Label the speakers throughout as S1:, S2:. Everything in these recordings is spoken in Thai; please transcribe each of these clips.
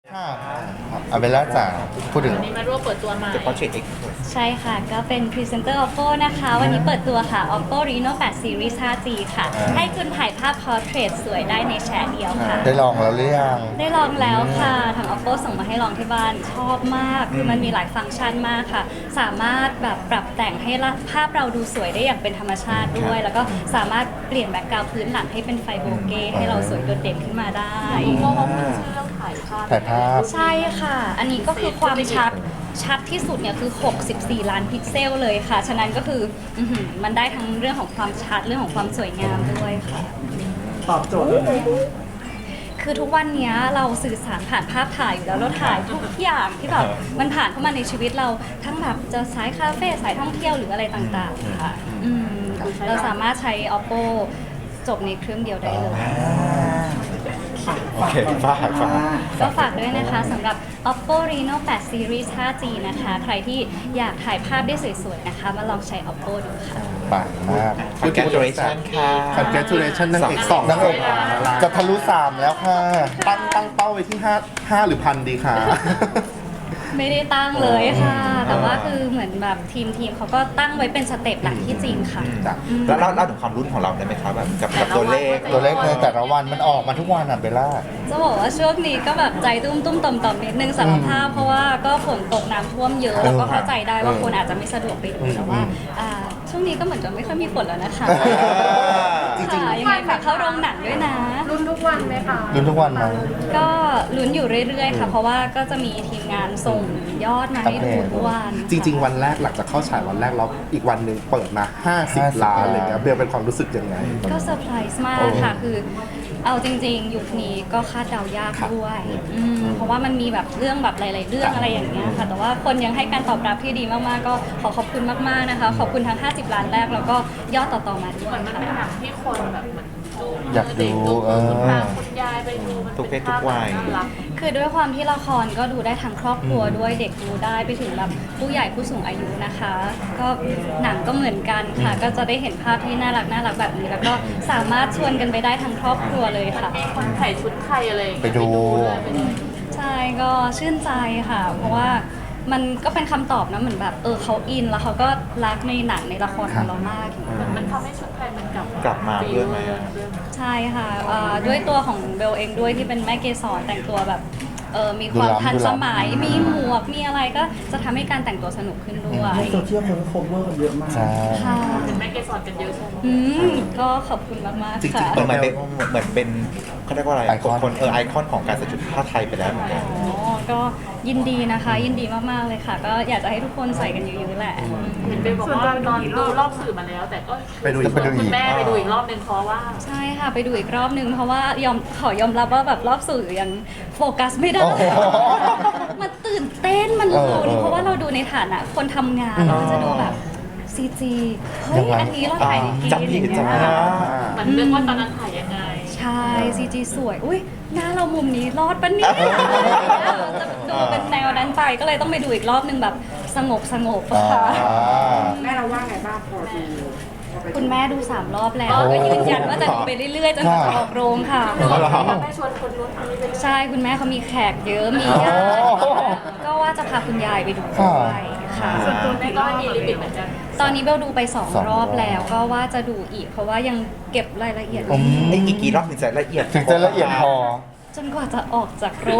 S1: ค่ะอาเบลล่าจ๋าพูดถึง
S2: วันนี้มาร่วมเปิดตัวใหม่
S3: The Portrait X
S4: ใช่ค่ะ ก็เป็นพรีเซนเตอร์ Oppo นะคะ วันนี้เปิดตัวค่ะ Oppo Reno 8 Series 5G ค่ะ ให้คุณถ่ายภาพ Portrait สวยได้ในแชร์เดียวค่ะ
S1: ได้ลองแล้วหรือยัง
S4: ได้ลองแล้วค่ะ ทาง Oppo ส่งมาให้ลองที่บ้านชอบมาก คือมันมีหลายฟังก์ชันมากค่ะ สามารถแบบปรับแต่งให้ภาพเราดูสวยได้อย่างเป็นธรรมชาติด้วย แล้วก็สามารถเปลี่ยนแบ็คกราวด์พื้นหลังให้เป็นไฟโบเก้ให้เราสวยโดดเด่นขึ้นมาได้
S2: โอ้โหชื่อเรื่องถ่ายภาพ
S1: ถ่ายภาพ
S4: ใช่ค่ะ อันนี้ก็คือความชัดที่สุดเนี่ยคือ 64 ล้านพิกเซลเลยค่ะ ฉะนั้นก็คือมันได้ทั้งเรื่องของความชัดเรื่องของความสวยงามด้วยค่ะ
S5: ตอบโจทย์เลย
S4: คือทุกวันเนี้ยเราสื่อสารผ่านภาพถ่ายอยู่แล้วเราถ่ายทุกอย่างที่แบบมันผ่านเข้ามาในชีวิตเราทั้งแบบจะสายคาเฟ่สายท่องเที่ยวหรืออะไรต่างๆค่ะเราสามารถใช้ Oppo จบในเครื่องเดียวได้เลย
S3: โอเคฝาก
S4: ก็ฝากด้วยนะคะสำหรับ Oppo Reno 8 Series 5G นะคะ ใครที่อยากถ่ายภาพได้สวยๆนะคะ มาลองใช้ Oppo ดูค่ะ
S1: ปังมาก
S3: Congratulation ค่ะ
S5: Congratulation นางเอกสอง
S1: นางเอกจะทะลุ3แล้วค่ะ
S5: ตั้งเป้าไว้ที่5หรือพันดีค่ะ
S4: ไม่ได้ตั้งเลยค่ะ แต่ว่าคือเหมือนแบบทีมเขาก็ตั้งไว้เป็นสเต็ปหลักที่จริงค่ะ
S3: จ้ะแล้วเล่าถึงความรุ่นของเราได้ไหมครับแบบกับตัวเลข
S1: ตัวเลขในแต่ละวันมันออกมาทุกวันอ่ะเบลล่า
S4: จะบอกว่าช่วงนี้ก็แบบใจตุ้มๆต่อมๆนิดนึงสารภาพเพราะว่าก็ฝนตกน้ำท่วมเยอะแล้วก็เข้าใจได้ว่าคนอาจจะไม่สะดวกไปดูแต่ว่าช่วงนี้ก็เหมือนจะไม่ค่อยมีฝนแล้วนะคะ
S5: จริงๆ
S4: ค่ะยังไงฝากเข้าโรงหนังด้วยนะ
S2: รุ่นทุกวันไหมคะ
S1: ลุ้นทุกวันมั้ง
S4: ก็ลุ้นอยู่เรื่อยๆค่ะ เพราะว่าก็จะมีทีมงานส่งยอดมาให้ดูทุกวัน
S5: จริง ๆ วันแรกหลังจากเข้าฉายวันแรกแล้วอีกวันหนึ่งเปิดมา 50 ล้านอะไรเงี้ยเบลเป็นความรู้สึกยังไง
S4: ก็เซอร์ไพรส์มากค่ะ คือเอาจริงๆ ยุคนี้ก็คาดเดายากด้วยเพราะว่ามันมีแบบเรื่องแบบหลายๆเรื่องอะไรอย่างเงี้ยค่ะ แต่ว่าคนยังให้การตอบรับที่ดีมากๆ ก็ขอขอบคุณมากๆนะคะ ขอบคุณทั้ง 50 ล้านแรกแล้วก็ยอดต่อๆมาด้วย
S2: มันเป็นหนังที่คนแบบเหมือนดู
S1: อยากดู
S2: คุณตาคุณยายไปดูมัน
S3: ทุกเพ
S2: เป็น
S3: ศทุกวัย
S2: ภาพน่ารัก
S4: คือด้วยความที่ละครก็ดูได้ทั้งครอบครัวด้วยเด็กดูได้ไปถึงแบบผู้ใหญ่ผู้สูงอายุนะคะ ก็หนังก็เหมือนกันค่ะ ก็จะได้เห็นภาพที่น่ารักแบบนี้ แล้วก็สามารถชวนกันไปได้ทั้งครอบครัวเลยค่ะ
S2: มีคนใส่ชุดไทยอะไรอย่างเงี้ย
S1: ไปดู
S2: ด้วยไปดู
S4: ใช่ก็ชื่นใจค่ะ เพราะว่ามันก็เป็นคำตอบนะเหมือนแบบเขาอินแล้วเขาก็รักในหนังในละครของเรามาก
S2: มันทำให้ชุดไทยมันกลับ
S3: กลับมาด้วยไหมอะ
S4: ใช่ค่ะด้วยตัวของเบลเองด้วยที่เป็นแม่เกสรแต่งตัวแบบมีความทันสมัยมีหมวกมีอะไรก็จะทำให้การแต่งตัวสนุกขึ้นด้วย
S5: ในโซเชียลคนโคเวอร์กันเยอะมาก
S1: ใช่
S4: ค่ะ
S2: เป็นแม่เกสรกันเยอะใช่ไหม
S4: ก็ขอบคุณมากๆ
S5: จริง
S4: ค่ะ
S5: ๆ
S3: เหมือนเป็นเขาเรียกว่าอะไร
S1: ไอคอน
S3: คนไอคอนของการใส่ชุดผ้าไทยไปแล้วเหมือนกัน
S4: ก็ยินดีนะคะ ยินดีมากๆเลยค่ะ ก็อยากจะให้ทุกคนใส่กันเยอะๆแหละ
S2: เห็นไปบอกว่านอนดูรอบสื่อมาแล้ว แต่ก็
S5: ไปดูอีก
S2: คุณแม่ไปดูอีกรอบนึงเพราะว่า
S4: ใช่ค่ะไปดูอีกรอบนึงเพราะว่ขอยอมรับว่าแบบรอบสื่อยังโฟกัสไม่ได้
S1: โอ้โห
S4: มันตื่นเต้นมันลุ้น
S1: เออ
S4: เพราะว่าเราดูในฐานะคนทำงานเราก็จะดูแบบซีจีเฮ้ย
S1: ยังไง
S4: อันนี้เราถ่ายดีๆ
S3: จับผิด
S4: อย่าง
S3: จับ
S4: เงี้
S3: ผิด
S4: ย
S2: เหมือนเรื่องว่าตอนนั้นถ่ายยังไง
S4: ใช่ซีจีสวยอุ้ยหน้าเรามุมนี้รอดปะเนี่ยจะดูเป็นแนวนั้นไปก็เลยต้องไปดูอีกรอบนึงแบบสงบค่ะ
S5: แม่เราว่าไงบ้างพอดู
S4: คุณแม่ดู3 รอบแล้วก็ยืนยันว่าจะดูไปเรื่อยๆจนกว่าจะออกโรงค่ะ
S2: แม่ชวนคนนู้นคนนี้ไปดู
S4: ใช่คุณแม่เขามีแขกเยอะมีญาติก็ว่าจะพาคุณยายไปดูด้วยค่ะ
S2: ส่วนตัวแม่ก็มีลิมิตเหมือนกัน
S4: ตอนนี้เบลดูไป
S1: สอง
S4: 2 รอบแล้วก็ว่าจะดูอีก เพราะว่ายังเก็บรายละเอียด
S3: ไอ้กี่รอบถึงจะละเอียด
S1: ถึงจะละเอียดพอ
S4: จนกว่าจะออกจากโรง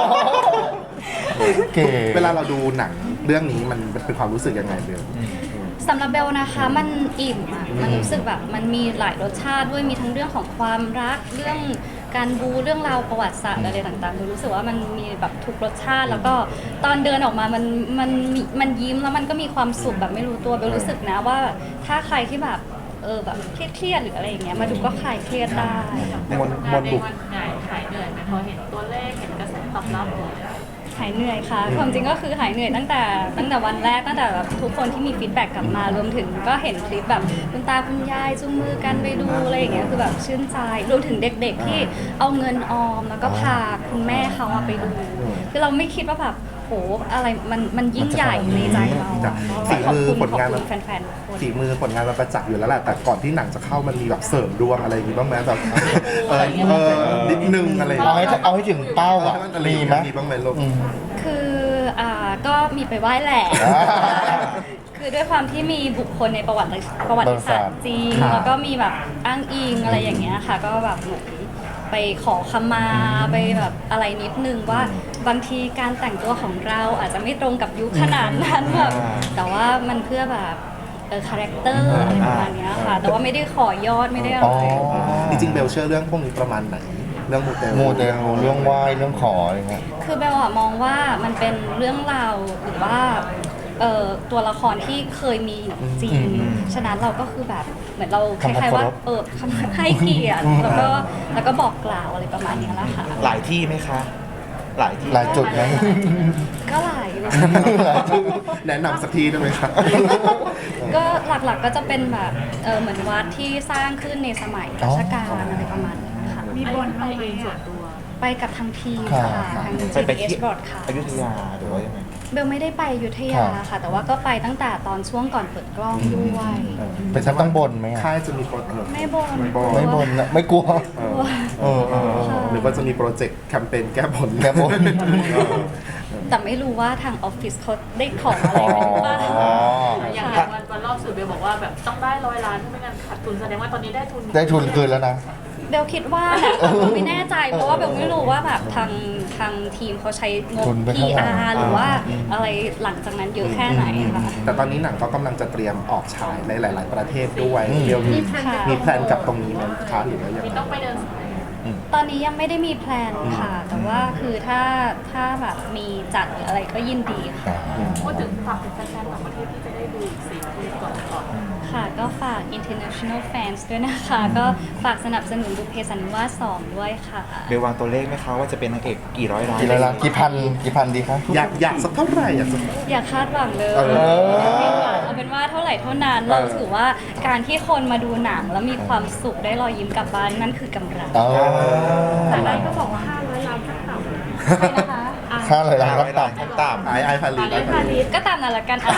S1: เก๋
S5: เวลาเราดูหนังเรื่องนี้มันเป็นความรู้สึกยังไงเบล
S4: สำหรับเบลนะคะมันอิ่มอะมันรู้สึกแบบมันมีหลายรสชาติด้วยมีทั้งเรื่องของความรักเรื่องการบูเรื่องราวประวัติศาสตร์อะไรต่างๆเบลรู้สึกว่ามันมีแบบทุกรสชาติ แล้วก็ตอนเดินออกมามันยิ้มแล้วมันก็มีความสุขแบบไม่รู้ตัวเบลรู้สึกนะว่าถ้าใครที่แบบแบบเครียดๆหรืออะไรอย่างเงี้ยมาดูก็คลายเครียดได้
S3: มน
S2: งานใน
S3: บุก
S2: วันไหนหายเหนื่อยไหมพอเห็นตัวเลขเห็นกระแสตอบรับ
S4: หายเหนื่อยค่ะความจริงก็คือหายเหนื่อยตั้งแต่วันแรกตั้งแต่แบบทุกคนที่มีฟีดแบ็กกลับมารวมถึงก็เห็นคลิปแบบคุณตาคุณยายจุงมือกันไปดูอะไรอย่างเงี้ยคือแบบชื่นใจรวมถึงเด็กๆที่เอาเงินออมแล้วก็พาคุณแม่เขาไปดูคือเราไม่คิดว่าแบบโหอะไรมันยิ่งใหญ่ในใจเราอะ
S5: ฝีมือ
S4: ขอบ
S5: ผลงาน
S4: คุณแฟนๆทุกคน
S5: ฝีมือผลงานมันประจักษ์อยู่แล้วแหละแต่ก่อนที่หนังจะเข้ามันมีแบบเสริมดวงอะไรอย่างงี้บ้างไหมแบบนิดนึงอะไรอย่าง
S1: เอา
S5: เงี้ย
S1: ให้ถึงเป้าอ่ะมีไหม
S5: มีบ้างไหมลูก
S4: คือก็มีไปไหว้แหละ
S1: อ่า
S4: คือด้วยความที่มีบุคคลในประวัติศาสตร์จีน
S5: ครับ
S4: แล้วก็มีแบบอ้างอิงอะไรอย่างเงี้ยค่ะ ก็แบบเหมือนไปขอขมาไปแบบอะไรนิดนึงว่าบางทีการแต่งตัวของเราอาจจะไม่ตรงกับยุคขนาดนั้นแบบแต่ว่ามันเพื่อแบบคาแรคเตอร์อะไรประมาณเนี้ยค่ะ แต่ว่าไม่ได้ขอยอดไม่ได้อะ
S1: อ๋อ
S4: ไร
S5: จริงๆเบลเชื่อเรื่องพวกนี้ประมาณไหนเรื่องมูเตลู
S1: มูเตลูเรื่องไหว้เรื่องขออะไรเงี้ย
S4: คือเบลอะมองว่ามันเป็นเรื่องราวหรือว่าตัวละครที่เคยมีอยู่จริง ฉะนั้นเราก็คือแบบเหมือนเราคล้ายๆว่าให้เกียรติแล้วก็บอกกล่าวอะไรประมาณเนี้ยแหละค่ะ
S3: หลายที่ไหมคะ หลายที่
S1: หลายจุดไหม
S4: ก็หลายอยู่
S5: แนะนำสักทีได้ไหมครับ
S4: ก็หลักๆก็จะเป็นแบบเหมือนวัดที่สร้างขึ้นในสมัยรัชกาลอะไรประมาณนี้ค่ะ
S2: มีบนไปเองส่วนตัว
S4: ไปกับทางทีม
S1: ค่ะ
S4: ค่ะทาง
S3: ไป
S4: GDS
S3: ที่
S4: Broadcast
S3: อยุธยาหรือว่ายังไง
S4: เบลไม่ได้ไปอยุธยาค่ะ แต่ว่าก็ไปตั้งแต่ตอนช่วงก่อนเปิดกล้องด้วย
S1: เป็นชั้นต้องบนไหมอะ
S5: ค่ายจะมีโปรเจกต์
S4: ไม่บน
S1: ไม่บนนะไม่กลัว
S4: ค่ะ
S5: หรือว่าจะมีโปรเจกต์แคมเปญแก้บน
S1: แก้บน
S4: แต่ไม่รู้ว่าทางออฟฟิศเขาได้ของอะไรไปหรือเปล่า
S1: อ๋อ
S2: อย่างวันรอบสื่อเบลบอกว่าแบบต้องได้100 ล้านไม่งั้นขาดทุนแสดงว่าตอนนี้ได้ทุน
S1: ได้ทุนคืนแล้วนะ
S4: เบลคิดว่าแหละแต่เบลไม่แน่ใจเพราะว่าเบลไม่รู้ว่าแบบทางทีมเขาใช้งบ
S1: ทุนไปเท่าไหร่
S4: PR หรือว่าอะไรหลังจากนั้นเยอะแค่ไหนค่ะ
S5: แต่ตอนนี้หนังก็กำลังจะเตรียมออกฉายในหลาย ๆ ประเทศด้วยเบลมี
S4: ค่ะ
S5: มีแพลนกับตรงนี้ไหมคะหรือว่ายัง
S2: มี
S5: ไง
S2: ต้องไปเดินสาย
S4: ตอนนี้ยังไม่ได้มีแพลนค่ะ แต่ว่าคือถ้าแบบมีจัดหรืออะไรก็ยินดีค่ะ
S2: พูดถึงฝากถึงแฟนๆต่างประเทศที่จะได้ดูอีก4 ปีก่อน
S4: ค่ะก็ฝาก international fans ด้วยนะคะ ก็ฝากสนับสนุนบุพเพสันนิวาส2ด้วยค่ะ
S3: เบลวางตัวเลขไหมคะว่าจะเป็นนางเอกกี่ร้อยล้าน
S1: กี่ล้านกี่พันดีครับ
S5: อยากสักเท่าไหร่อยากสัก
S4: อย่าคาดหวังเลย
S5: เออ
S4: เอาเป็นว่าเท่าไหร่เท่านั้น เราถือว่าการที่คนมาดูหนังแล้วมีความสุขได้รอยยิ้มกลับบ้านนั่นคือกำไร
S1: อ๋อ
S2: แต่นั้นก็บอกว่า500 ล้านขั้นต่ำ
S4: ใช่นะคะ
S1: ค่าเลยล้าน
S3: ร้
S1: ก็
S3: อยล้า
S1: ต่
S3: นขั้นต่ำ
S5: ไอพาลี
S2: ไอพาลี
S4: ก็ตามนั้นละกันอ่ะ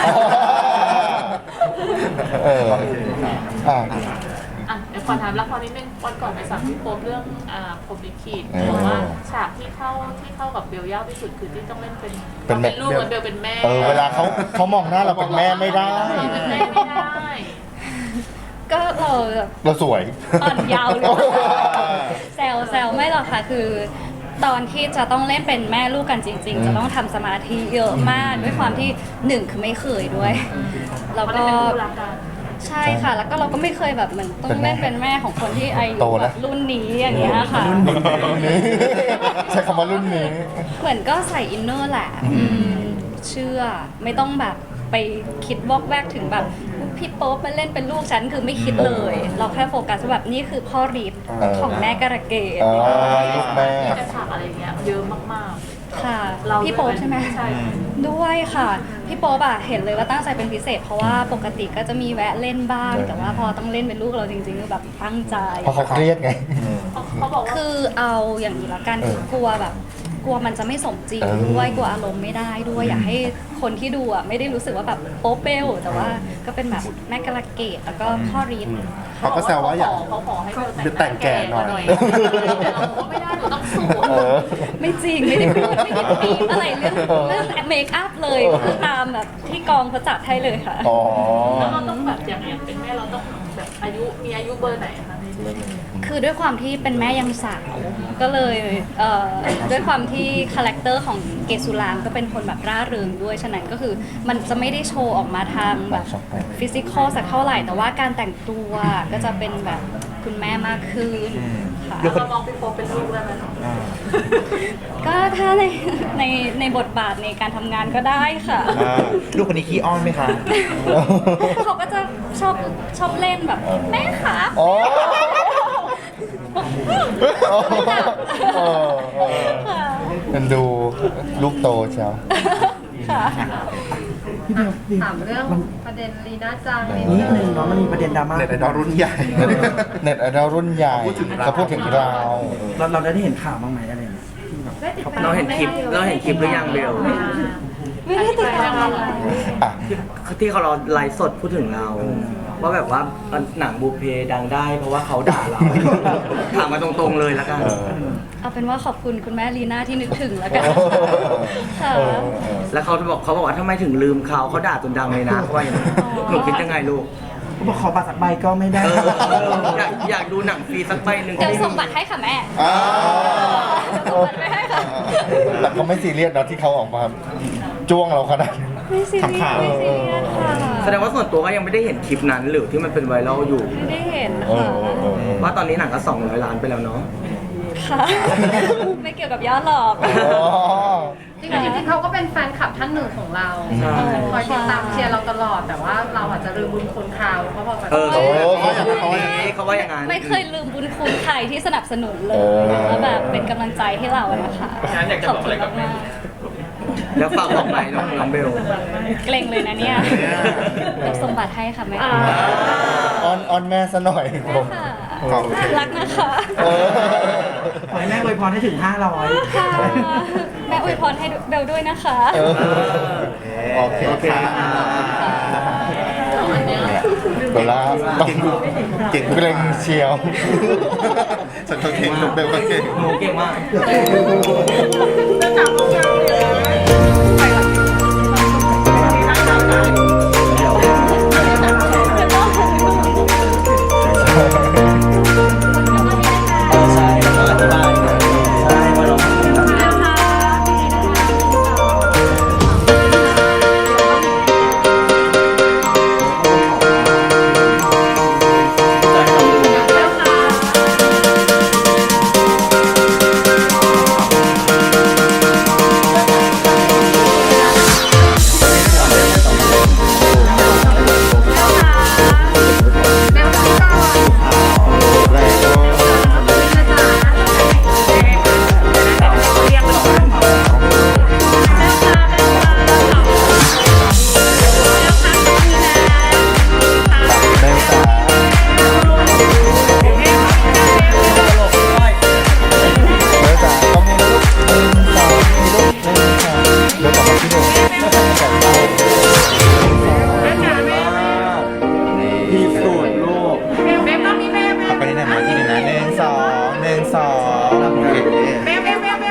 S1: ำเอออ่ะ
S2: อ่ะเดี๋ยวขอถามละครนิดนึงวันก่อนไปสัมภาษณ์พี่โป๊ปเรื่องพรหมลิขิตบอกว่าฉากที่เข้ากับเบลยากที่สุดคือที่ต้องเล่นเป็นลูกแล้วเบลเป็นแม่
S1: เวลาเขามองหน้าเราเป็นแม่ไม่ได้
S2: เป็นแม่ไม่ได้
S4: ก็เราแบบ
S1: เราสวย
S4: อ่อนเยาวเลยแซวไม่หรอกค่ะคือ ตอนที่จะต้องเล่นเป็นแม่ลูกกันจริง ๆ จะต้องทำสมาธิเยอะมากด้วยความที่หนึ่งคือไม่เคยด้วย แล้ว
S2: เขา
S4: ก็
S2: ได้เป็นคู่รักกัน
S4: ใช่ค่ะ แล้วก็เราก็ไม่เคยแบบเหมือนต้องเล่นเป็นแม่ของคนที่อายุ
S1: โต
S4: แบ
S1: แล้ว
S4: บรุ่นนี้อย่างเงี้ยค่ะ
S1: รุ่นนี้ใช้คำว่ารุ่นนี้
S4: เหมือนก็ใส่อินเนอร์แหละเชื่อไม่ต้องแบบไปคิดวอกแวกถึงแบบพี่โป๊ปมาเล่นเป็นลูกฉันคือไม่คิดเลย เราแค่โฟกัสว่าแบบนี่คือพ่อฤทธิ์ของแม่กระเกด
S1: ลูกแม่
S2: จะฉากอะไรเงี้ยเยอะมาก
S4: ค่ะ
S2: ๆ เรา
S4: พี่โป๊ปใช่ไหม
S2: ใช่
S4: ด้วยค่ะ พี่โป๊ปอะเห็นเลยว่าตั้งใจเป็นพิเศษ เพราะว่าปกติก็จะมีแวะเล่นบ้าง แต่ว่าพอต้องเล่นเป็นลูกเราจริงๆคือแบบตั้งใจ
S1: เพราะเขาเครียดไง
S2: เขาบอกว่า
S4: คือเอาอย่างนี้ละกันคือกลัวแบบกลัวมันจะไม่สมจริง
S1: เออ
S4: ด้วยกลัวอารมณ์ไม่ได้ด้วยอยากให้คนที่ดูอ่ะไม่ได้รู้สึกว่าแบบโป๊เปลแต่ว่าก็เป็นแบบแม่กระเกดแล้วก็พ่อฤทธิ์
S5: เขาก็แซวว่าอยาก
S2: เขาขอให้เบล
S5: แต่งแก่หน่อย
S2: แต่เราบอกว่าไม่ได้หนูต้องสวย
S4: ไม่จริงไม่ได้พูดไม่ได้ปีดอะไรเรื่องเมคอัพเลยคือตามแบบที่กองเขาจัดให้เลยค่ะ
S1: อ๋อ
S2: แล้วเราต้องแบบอย่างเป็นแม่เราต้องแบบมีอายุเบอร์ไหนคะในเรื่อง
S4: คือด้วยความที่เป็นแม่ยังสาวก็เลยด้วยความที่คาแรคเตอร์ของเกสุรางก็เป็นคนแบบร่าเริงด้วยฉะนั้นก็คือมันจะไม่ได้โชว์ออกมาทางแบบฟิสิกอลสักเท่าไหร่ แต่ว่าการแต่งตัวก็จะเป็นแบบคุณแม่มากขึ้นค่ะ
S2: เรามองพี่โป๊ปเป็นลูกได้ไหม
S4: ก็ถ้าในบทบาทในการทำงานก็ได้ค่ะ
S3: ลูกคนนี้ขี้อ้อนไหมคะ
S4: เขาก็จะชอบเล่นแบบแม่คะ
S1: อ๋อ
S4: ค่ะ
S1: มันดูลูกโตเชียว
S4: ค่ะ
S6: ถามเรื่องประเด็นลีน่าจังนิด
S7: นิ
S6: นึ
S7: ดนึง
S6: ง
S7: เนาะมันมีประเด็นดราม่า
S5: เน็ตไอดอลรุ่นใหญ่
S1: เน็ตไอดอลรุ่นใหญ่
S5: พูดถึงเรา
S1: เขาพูดถึงเรา
S7: เราได้เห็นข่าวบ้างไหมอะไรเนี่ยที่แบบ
S6: ได้ติดตาม
S8: เราเห็นคลิปหรือยังเบล
S4: ไม่ได้ติดตามอะไร
S1: อ่ะ
S8: ที่เขาเราไลฟ์สดพูดถึงเรา ว่าแบบว่าหนังบูเพดังได้ เพราะว่าเขาด่าเรา ถามมาตรงๆเลยแล้วกัน
S4: เอาเป็นว่าขอบคุณคุณแม่ลีน่าที่นึกถึงแล้วกันค่ะ
S8: แล้วเขาบอกว่าทำไมถึงลืมเขาด่าจนดังเลยนะเขาว่าอย่างนั้นหนูคิดยังไงลูก
S7: เขาบอกขอบัตรสักใบก็ไม่ได้
S8: อยากดูหนังฟรีสักใบหนึ่ง
S4: เดี๋ยวส่งบัตรให้ค่ะแม่
S1: อ่า
S4: ส่งบัตรไปให้ค่ะ
S1: แต่เขาไม่ซีเรียสนะที่เขาออกมาจ้วงเราขนาดนั้น
S4: ไม่ซีเรียสไม่ซีเรียสค่ะ
S8: แสดงว่าส่วนตัวก็ยังไม่ได้เห็นคลิปนั้นหรือที่มันเป็นไวรัลอยู่
S4: ไม่ได้เห็น
S1: เอ
S4: ค่ะ
S1: อ
S8: ว่าตอนนี้หนังก็200 ล้านไปแล้วเนาะ
S4: ค่ะ ไม่เกี่ยวกับยอดหรอก
S1: อ๋อ
S6: จริงๆเขาก็เป็นแฟนคลับท่านหนึ่งของเรา
S8: ใช่
S6: คอยติดตามเชียร์เราตลอด แต่ว่าเราอาจจะลืมบุญคุณเขาเพราะพอแบบ
S8: เขาว่าอย่างนั้น
S4: ไม่เคยลืมบุญคุณใครที่สนับสนุนเล
S1: เอย อ
S4: แล้วแบบเป็นกำลังใจให้เรานะคะขอบคุณมาก
S8: แล้วฝากบอกไปน้องเบล
S4: ๆเกรงเลยนะเนี่ยเดี๋ยวส่งบัตรให้ค่ะแม่
S1: ออนแม่ซะหน่อยผม
S4: ค่ะ
S5: ขอบคุณ
S4: รักนะคะ
S1: เออ
S7: ขอให้แม่อวยพรให้ถึง 500
S4: ค่ะแม่อวยพรให้เบลด้วยนะคะ
S1: เออโอเคค่ะเวลาต้อง
S5: เก่ง
S1: เกรงเชียว
S5: ฉันก็เก่งเบลก็เก่ง
S8: หนูเก่งมาก
S6: จะจับลูกเราเลย